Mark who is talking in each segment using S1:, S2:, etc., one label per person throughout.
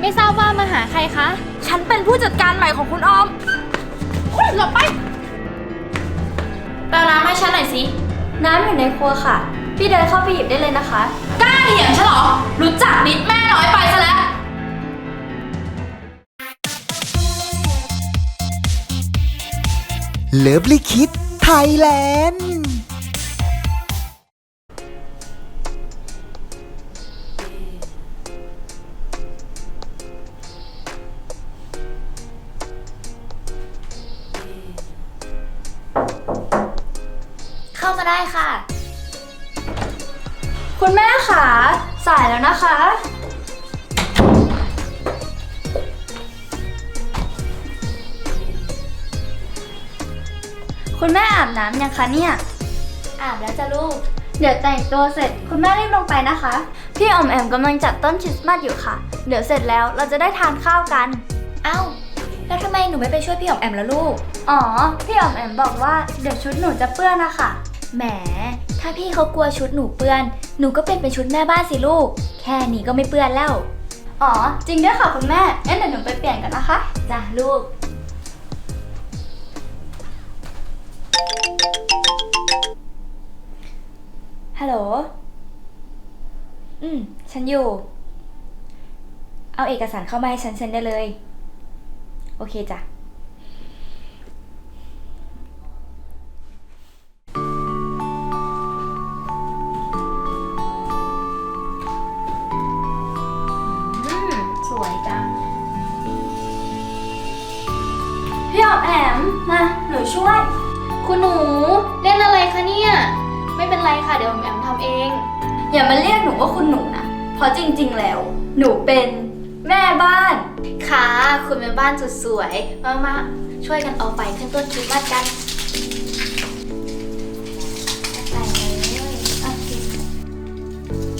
S1: ไม่ทราบว่ามาหาใครคะ
S2: ฉันเป็นผู้จัดการใหม่ของคุณออมหลบไปแปลน้ำให้ฉันหน่อยสิน้ำอยู่ในครัวค่ะพี่เดินเข้าไปหยิบได้เลยนะคะกล้าเถียงฉันเหรอรู้จักนิดแม่น้อยไปซะแล้ว
S3: เลิฟลิคิดไทยแลนด์
S2: เข้ามาได้ค่ะคุณแม่ค่ะสายแล้วนะคะคุณแม่อาบน้ำยังคะเนี่ยอาบแล้วจ้ะลูกเดี๋ยวแต่งตัวเสร็จคุณแม่รีบลงไปนะคะพี่ออมแอมกำลังจัดต้นคริสต์มาสอยู่ค่ะเดี๋ยวเสร็จแล้วเราจะได้ทานข้าวกันเอ้าแล้วทำไมหนูไม่ไปช่วยพี่ออมแอมล่ะลูกอ๋อพี่ออมแอมบอกว่าเดี๋ยวชุดหนูจะเปื้อนนะคะแหมถ้าพี่เขากลัวชุดหนูเปื้อนหนูก็เป็นชุดแม่บ้านสิลูกแค่นี้ก็ไม่เปื้อนแล้วอ๋อจริงด้วยค่ะคุณแม่งั้นเดี๋ยวหนูไปเปลี่ยนกันนะคะจ้ะลูกฮัลโหลฉันอยู่เอาเอกสารเข้ามาให้ฉันเซ็นได้เลยโอเคจ้ะสวยจังพี่ออมแอมมาหนูช่วย
S1: คุณหนูเล่นอะไรคะเนี่ยไม่เป็นไรค่ะเดี๋ยวแอมทำเอง
S2: อย่ามาเรียกหนูว่าคุณหนูนะเพราะจริงๆแล้วหนูเป็นแม่บ้าน
S1: ค่ะคุณแม่บ้านสุดสวยมาช่วยกันเอาไฟขึ้นต้นคริสต์มาสกันใส่เลยโอเค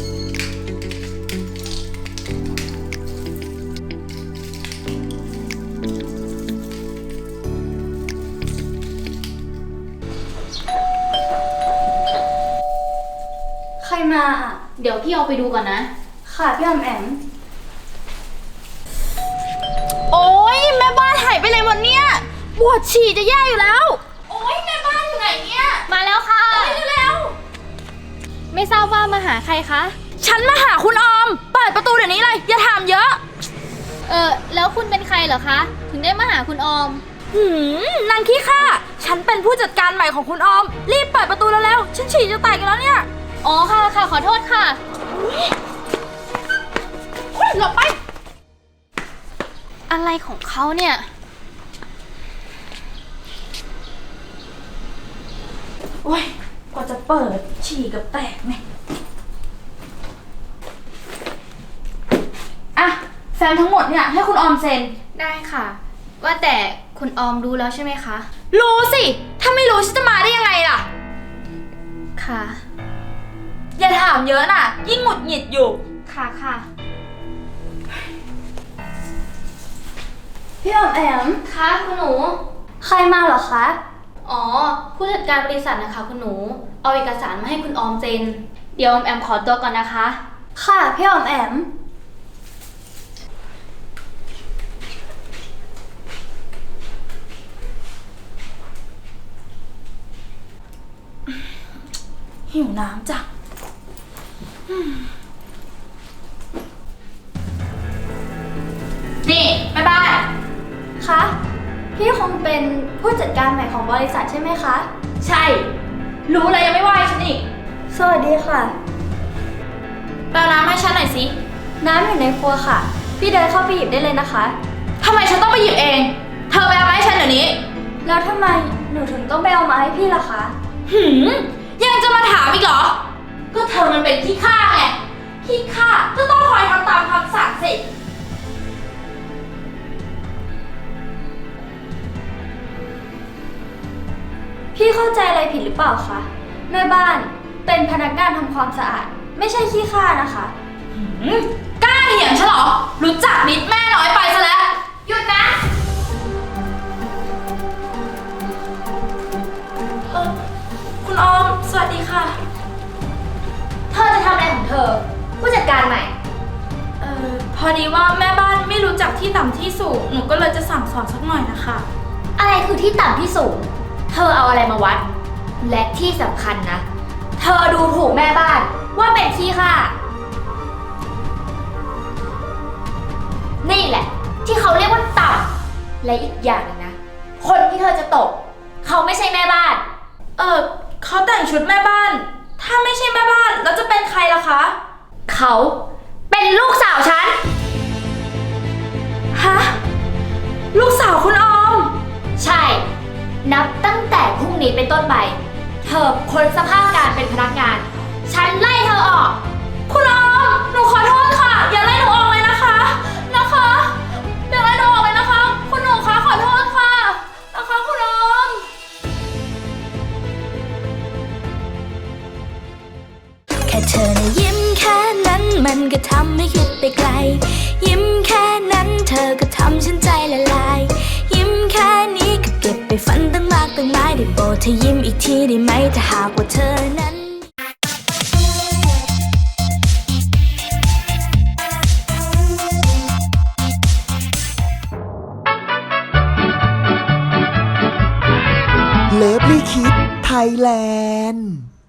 S2: ใครมาอ่ะ
S1: เดี๋ยวพี่เอาไปดูก่อนนะ
S2: ค่ะพี่ออมแอม
S1: โอ๊ยแม่บ้านหายไปไหนหมดเนี่ยปวดฉี่จะแย่อยู่แล้วโอ๊ยแม่บ้านอยู่ไหนเนี่ยมาแล้วค่ะเร็วไม่ทราบว่ามาหาใครคะ
S2: ฉันมาหาคุณออมเปิดประตูเดี๋ยวนี้เลยอย่าถามเยอะ
S1: แล้วคุณเป็นใครเหรอคะถึงได้มาหาคุณออม
S2: นางขี้ข้าฉันเป็นผู้จัดการใหม่ของคุณออมรีบเปิดประตูแล้วฉันฉี่จะแตกกันแล้วเนี่ย
S1: อ๋อค่ะขอโทษค่ะ
S2: หลบไป
S1: อะไรของเขาเนี่ย
S2: โอ้ยกว่าจะเปิดฉี่กับแตกไงอ่ะแฟ้มทั้งหมดเนี่ยให้คุณออมเซ็น
S1: ได้ค่ะว่าแต่คุณออมรู้แล้วใช่ไหมคะ
S2: รู้สิถ้าไม่รู้ฉันจะมาได้ยังไงล่ะ
S1: ค่ะ
S2: อย่าถามเยอะน่ะยิ่งหงุดหงิดอยู่
S1: ค่ะ
S2: พี่ออมแอม
S1: คะคุณหนู
S2: ใครมาเหรอคะ
S1: อ๋อผู้จัดการบริษัทนะคะคุณหนูเอาเอกสารมาให้คุณออมเซ็นเดี๋ยวออมแอมขอตัวก่อนนะคะ
S2: ค่ะพี่ออมแอมหิวน้ำจ้ะนี่แม่บ้านคะพี่คงเป็นผู้จัดการใหม่ของบริษัทใช่ไหมคะใช่รู้เลยยังไม่ไหวฉันอีกสวัสดีค่ะแปลน้ำให้ฉันหน่อยสิน้ำอยู่ในครัวค่ะพี่เดินเข้าไปหยิบได้เลยนะคะทำไมฉันต้องไปหยิบเองเธอไปเอามาให้ฉันเดี๋ยวนี้แล้วทำไมหนูถึงต้องไปเอามาให้พี่ล่ะคะยังจะมาถามอีกเหรอก็เธอมันเป็นขี้ข้าไงขี้ข้าก็ต้องคอยทำตามคำสั่งสิพี่เข้าใจอะไรผิดหรือเปล่าคะแม่บ้านเป็นพนักงานทำความสะอาดไม่ใช่ขี้ข้านะคะกล้าเถียงฉันเหรอรู้จักนิดแม่น้อยไปซะแล้วหยุดนะคุณออมสวัสดีค่ะเธอจะทำอะไรของเธอผู้จัดการใหม่พอดีว่าแม่บ้านไม่รู้
S4: รู้จักที่ต่ำที่สูง หนูก็เลยจะสั่งสอนสักหน่อยนะคะ
S2: อะไรคือที่ต่ำที่สูง เธอเอาอะไรมาวัด และที่สำคัญนะ เธอดูถูกแม่บ้านว่าเป็นขี้ข้านี่แหละ ที่เขาเรียกว่าต่ำและอีกอย่างหนึงนะ คนที่เธอจะตก เขาไม่ใช่แม่บ้าน
S4: เขาแต่งชุดแม่บ้าน ถ้าไม่ใช่แม่บ้านแล้วจะเป็นใครล่ะคะ
S2: เขาเป็นลูกสาวฉัน
S4: ฮะ ลูกสาวคุณออม
S2: ใช่ นับตั้งแต่พรุ่งนี้เป็นต้นไป เธอพ้นสภาพการเป็นพนักงาน ฉันไล่เธอออก
S4: คุณออม หนูขอโทษค่ะ อย่าไล่หนูออกเลยนะคะ อย่าไล่หนูออกเลยนะคะ คุณหนูคะขอโทษค่ะ นะคะคุณออม
S5: แค่เธอนะยิ้มแค่นั้นมันก็ทำให้คิดไปไกล ยิ้มแค่นั้นเธอก็ทำฉันใจละลาย ยิ้มแค่นี้ก็เก็บไปฝันตั้งมากตั้งหลายได้โปรดเธอยิ้มอีกทีได้ไหมถ้าหากว่าเธอนั้น
S3: เลิฟลี่คิดไทยแลนด์